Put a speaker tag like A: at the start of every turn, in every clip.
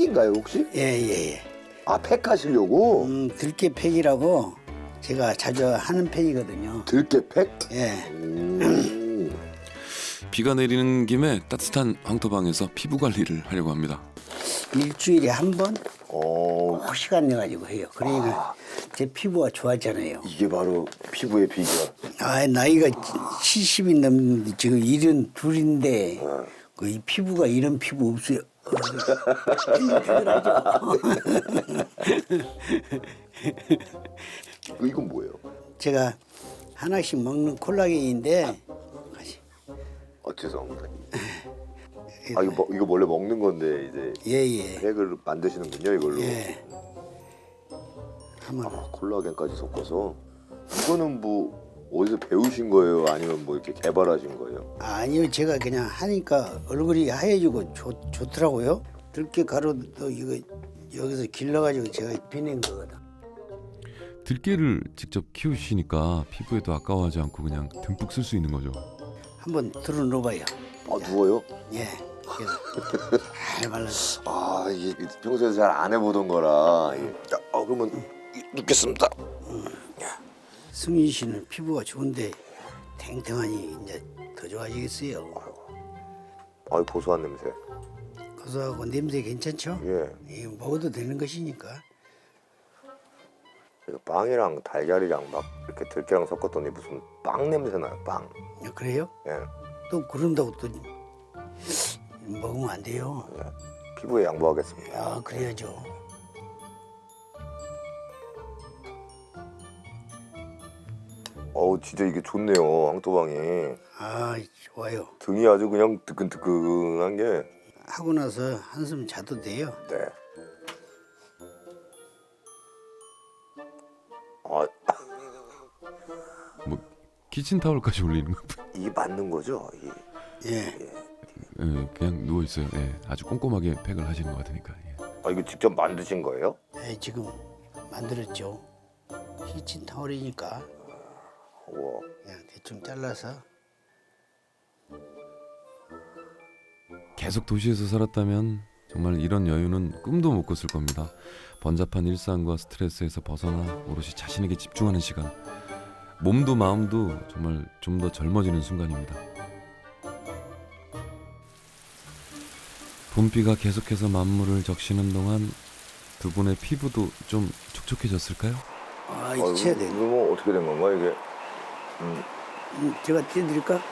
A: 팩인가요 혹시?
B: 예예예.
A: 아 팩하시려고?
B: 들깨팩이라고 제가 자주 하는 팩이거든요.
A: 들깨 팩?
B: 예.
C: 비가 내리는 김에 따뜻한 황토방에서 피부 관리를 하려고 합니다.
B: 일주일에 한 번 시간 내 가지고 해요. 그러니까 제 피부가 좋아지잖아요.
A: 이게 바로 피부의 비결.
B: 아 나이가 70이 넘는데 지금 72인데 이 피부가 이런 피부 없어요.
A: 이건 뭐예요?
B: 제가 하나씩 먹는 콜라겐인데
A: 죄송합니다. 아 이거 원래 먹는 건데 이제
B: 예예.
A: 팩을 만드시는군요 이걸로.
B: 예. 한번
A: 콜라겐까지 섞어서. 이거는 뭐 어디서 배우신 거예요? 아니면 뭐 이렇게 개발하신 거예요?
B: 아니요 제가 그냥 하니까 얼굴이 하얘지고 좋더라고요. 들깨 가루도 이거 여기서 길러가지고 제가 비낸 거거든.
C: 들깨를 직접 키우시니까 피부에도 아까워하지 않고 그냥 듬뿍 쓸 수 있는 거죠.
B: 한번 들어 놓아봐요.
A: 누워요?
B: 예. 그래서 잘 발라서.
A: 이게 평소에 잘 안 해보던 거라. 자, 그러면 눕겠습니다.
B: 승희 씨는 피부가 좋은데 탱탱하니 이제 더 좋아지겠어요.
A: 고소한 냄새.
B: 고소하고 냄새 괜찮죠?
A: 예.
B: 이거 먹어도 되는 것이니까.
A: 빵이랑 달걀이랑 막 이렇게 들깨랑 섞었더니 무슨 빵 냄새 나요. 빵.
B: 그래요?
A: 예.
B: 또 그런다고 또 먹으면 안 돼요.
A: 피부에 양보하겠습니다.
B: 그래야죠.
A: 진짜 이게 좋네요. 황토방이.
B: 좋아요.
A: 등이 아주 그냥 뜨끈뜨끈한 게.
B: 하고 나서 한숨 자도 돼요.
A: 네.
C: 뭐 키친타올까지 올리는 거.
A: 이게 맞는 거죠?
B: 예.
C: 예, 그냥 누워 있어요. 예, 아주 꼼꼼하게 팩을 하시는 것 같으니까. 예.
A: 이거 직접 만드신 거예요?
B: 네, 지금 만들었죠. 키친 타월이니까
A: 우와.
B: 그냥 대충 잘라서.
C: 계속 도시에서 살았다면 정말 이런 여유는 꿈도 못 꿨을 겁니다. 번잡한 일상과 스트레스에서 벗어나 오롯이 자신에게 집중하는 시간. 몸도 마음도 정말 좀 더 젊어지는 순간입니다. 봄비가 계속해서 만물을 적시는 동안 두 분의 피부도 좀 촉촉해졌을까요?
B: 이제 돼.
A: 이거 뭐 어떻게 된 건가 이게?
B: 제가 띄워드릴까?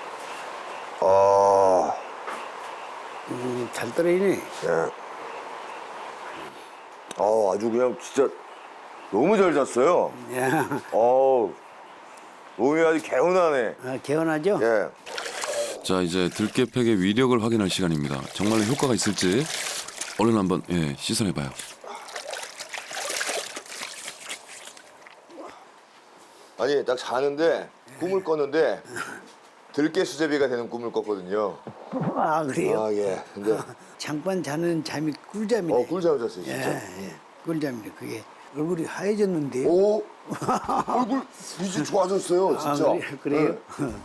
B: 잘 떨어지네.
A: 예. 아주 그냥 진짜 너무 잘 잤어요.
B: 야,
A: 몸이 아주 개운하네.
B: 개운하죠?
A: 예.
C: 자, 이제 들깨팩의 위력을 확인할 시간입니다. 정말로 효과가 있을지 얼른 한번 시선해봐요.
A: 아니 딱 자는데 꿈을 꿨는데 들깨 수제비가 되는 꿈을 꿨거든요.
B: 그래요?
A: 예. 근데
B: 잠깐 자는 잠이 꿀잠이네.
A: 꿀잠 잤어요 진짜.
B: 예. 꿀잠이네. 그게 얼굴이 하얘졌는데.
A: 얼굴 이제 좋아졌어요 진짜.
B: 그래요?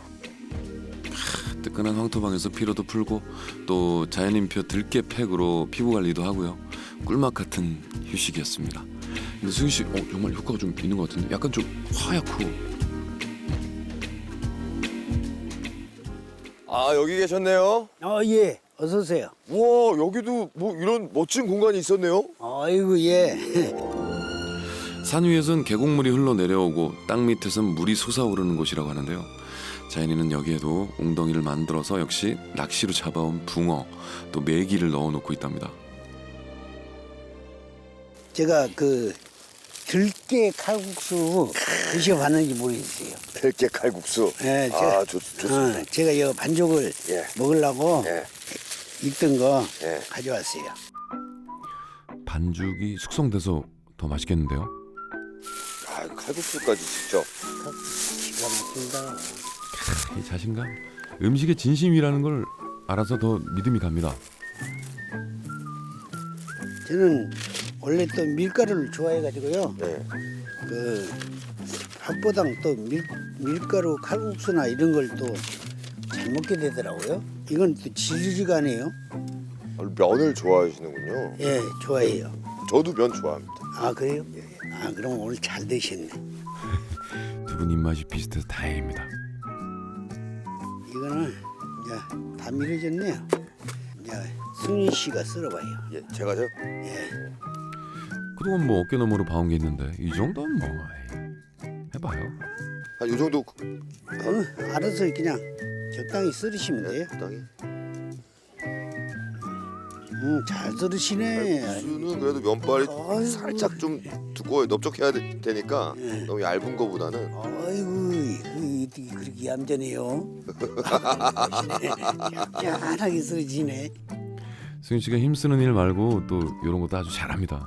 C: 뜨끈한 황토방에서 피로도 풀고 또 자연인표 들깨팩으로 피부 관리도 하고요. 꿀맛 같은 휴식이었습니다. 근데 승희 씨, 정말 효과가 좀 있는 것 같은데 약간 좀 하얗고.
A: 여기 계셨네요.
B: 예. 어서 오세요.
A: 우와 여기도 뭐 이런 멋진 공간이 있었네요.
B: 아이고 예.
C: 산 위에선 계곡물이 흘러내려오고 땅 밑에선 물이 솟아오르는 곳이라고 하는데요. 자연이는 여기에도 웅덩이를 만들어서 역시 낚시로 잡아온 붕어 또 메기를 넣어놓고 있답니다.
B: 제가 그 들깨 칼국수 드셔봤는지 모르겠어요.
A: 들깨 칼국수.
B: 예,
A: 좋습니다.
B: 제가 이 반죽을
A: 예.
B: 먹으려고
A: 예.
B: 익던 거
A: 예.
B: 가져왔어요.
C: 반죽이 숙성돼서 더 맛있겠는데요?
A: 칼국수까지 직접.
B: 기가 막힌다.
C: 이 자신감, 음식의 진심이라는 걸 알아서 더 믿음이 갑니다.
B: 저는 원래 또 밀가루를 좋아해가지고요.
A: 네.
B: 그 밥보당 또 밀가루 칼국수나 이런 걸 또 잘 먹게 되더라고요. 이건 또 질리지가 않아요.
A: 면을 좋아하시는군요.
B: 예, 좋아해요.
A: 저도 면 좋아합니다.
B: 아 그래요? 아 그럼 오늘 잘 드셨네.
C: 두 분 입맛이 비슷해서 다행입니다.
B: 이거는 이제 다 밀어졌네요. 이제 승윤 씨가 썰어봐요.
A: 예, 제가죠.
B: 예.
C: 그동안 뭐 어깨너머로 봐온 게 있는데 이 정도는 뭐 에이, 해봐요.
A: 한 요 정도
B: 알아서 그냥 적당히 썰으시면 돼요.
A: 적당히.
B: 잘 썰으시네.
A: 국수는 그래도 면발이
B: 아이고.
A: 살짝 좀 두꺼워요. 넓적해야 되니까
B: 예.
A: 너무 얇은 거보다는.
B: 아이고, 어떻게 그렇게 얌전해요? 얌전하게 썰어지네.
C: 승윤 씨가 힘쓰는 일 말고 또 이런 것도 아주 잘합니다.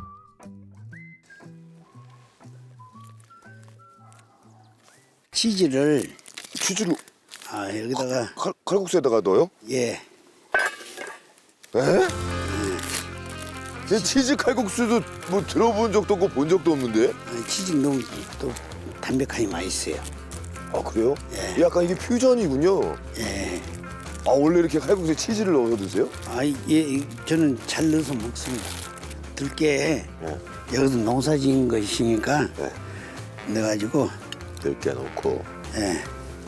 B: 치즈를
A: 치즈를
B: 여기다가
A: 칼국수에다가 넣어요?
B: 예.
A: 에? 제 치즈 칼국수도 뭐 들어본 적도 없고 본 적도 없는데.
B: 치즈 너무 또 담백하니 맛있어요.
A: 아 그래요?
B: 예.
A: 약간 이게 퓨전이군요.
B: 예.
A: 아 원래 이렇게 칼국수에 치즈를 넣어서 드세요?
B: 예, 저는 잘 넣어서 먹습니다. 들깨
A: 예.
B: 여기서 농사지은 것이니까
A: 예.
B: 넣어가지고
A: 들깨 넣고.
B: 예.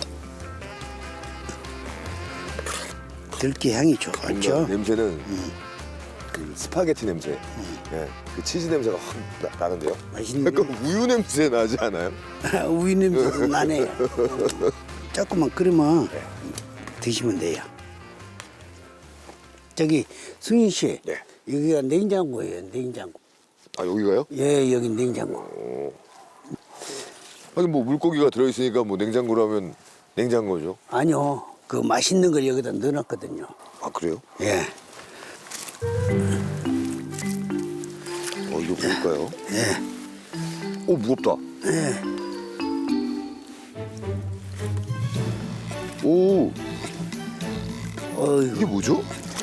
B: 들깨 향이 좋죠.
A: 냄새는 그 스파게티 냄새. 예. 그 치즈 냄새가 확 나는데요.
B: 맛있는데
A: 약간 우유 냄새 나지 않아요?
B: 우유 냄새도 나네요. 조금만 끓이면 드시면 돼요. 저기 승윤 씨,
A: 네.
B: 여기가 냉장고예요. 냉장고.
A: 아 여기가요?
B: 예, 여기 냉장고.
A: 하긴 뭐 물고기가 들어있으니까 뭐 냉장고라면 냉장고죠.
B: 아니요, 그 맛있는 걸 여기다 넣어놨거든요.
A: 아 그래요?
B: 예,
A: 이거 볼까요?
B: 예,
A: 오 무겁다.
B: 예.
A: 오
B: 어휴,
A: 이게 뭐죠?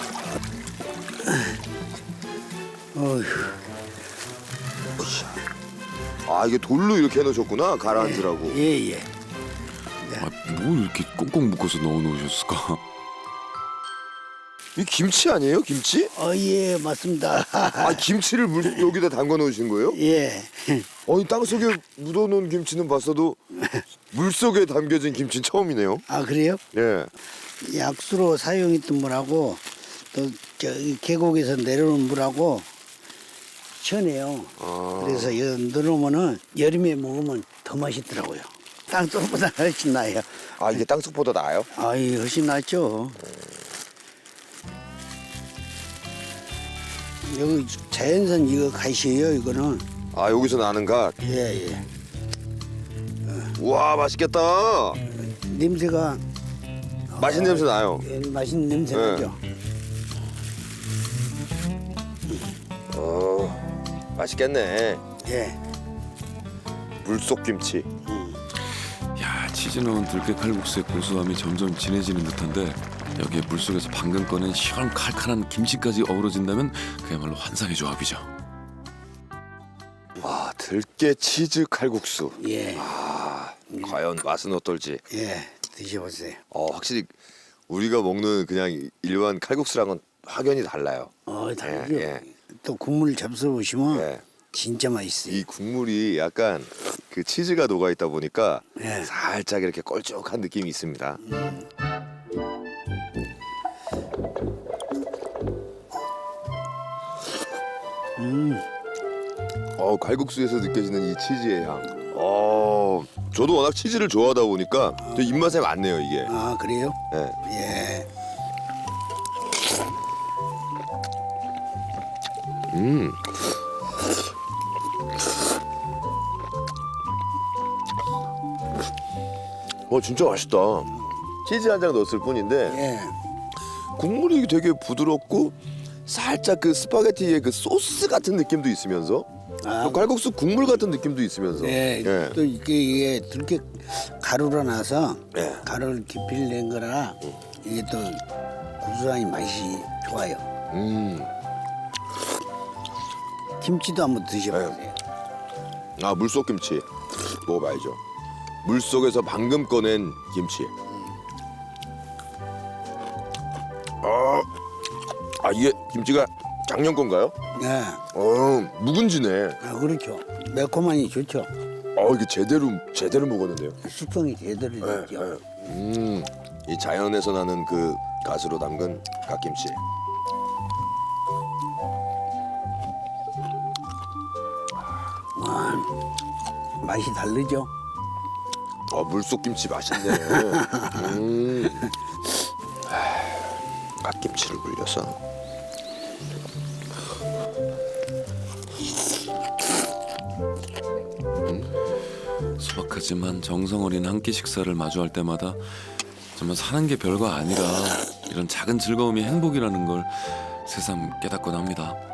B: 어휴.
A: 아 이게 돌로 이렇게 해놓으셨구나 가라앉으라고.
B: 예, 예.
C: 뭘 이렇게 꽁꽁 묶어서 넣어놓으셨을까?
A: 이 김치 아니에요? 김치?
B: 예, 맞습니다.
A: 아 김치를 여기다 담가 놓으신 거예요?
B: 예.
A: 아니 땅속에 묻어놓은 김치는 봤어도 물속에 담겨진 김치는 처음이네요.
B: 아, 그래요?
A: 예.
B: 약수로 사용했던 물하고 또 저기 계곡에서 내려오는 물하고 시원해요.
A: 아.
B: 그래서 여기 넣어놓으면은 여름에 먹으면 더 맛있더라고요. 땅속보다 훨씬 나아요.
A: 아 이게 땅속보다 나아요?
B: 아이, 훨씬 낫죠. 여기 자연산 이거 가시예요, 이거는.
A: 아 여기서 나는 갓.
B: 예, 예.
A: 우와 맛있겠다.
B: 냄새가
A: 맛있는 냄새 나요.
B: 예, 맛있는 냄새
A: 네.
B: 나죠.
A: 맛있겠네.
B: 예.
A: 물속 김치.
C: 야, 치즈 넣은 들깨 칼국수의 고소함이 점점 진해지는 듯한데 여기에 물속에서 방금 꺼낸 시원 칼칼한 김치까지 어우러진다면 그야말로 환상의 조합이죠.
A: 와 들깨 치즈 칼국수.
B: 예.
A: 과연 맛은 어떨지.
B: 예. 드셔보세요.
A: 확실히 우리가 먹는 그냥 일반 칼국수랑은 확연히 달라요.
B: 다르죠.
A: 예.
B: 또 국물 잡숴 보시면
A: 예.
B: 진짜 맛있어요.
A: 이 국물이 약간 그 치즈가 녹아 있다 보니까
B: 예.
A: 살짝 이렇게 걸쭉한 느낌이 있습니다. 칼국수에서 느껴지는 이 치즈의 향. 저도 워낙 치즈를 좋아하다 보니까 저 입맛에 맞네요 이게.
B: 아, 그래요?
A: 예.
B: 예.
A: 진짜 맛있다. 치즈 한 장 넣었을 뿐인데
B: 예.
A: 국물이 되게 부드럽고 살짝 그 스파게티의 그 소스 같은 느낌도 있으면서 또 칼국수 국물 같은 느낌도 있으면서
B: 예. 또 이게 들깨 가루로 나서
A: 예.
B: 가루를 깊이 낸 거라 이게 또 구수하니 맛이 좋아요. 김치도 한번 드셔보세요.
A: 물속 김치 먹어봐야죠. 물속에서 방금 꺼낸 김치. 이게 김치가 작년 건가요?
B: 네.
A: 묵은지네.
B: 아, 그렇죠. 매콤하니 좋죠.
A: 이게 제대로 먹었는데요.
B: 숙성이 제대로 됐죠.
A: 이 자연에서 나는 그 가스로 담근 갓김치.
B: 맛이 다르죠.
A: 물속 김치 맛있네. 갓김치를 굴려서.
C: 소박하지만 정성 어린 한 끼 식사를 마주할 때마다 정말 사는 게 별거 아니라 이런 작은 즐거움이 행복이라는 걸 새삼 깨닫곤 합니다.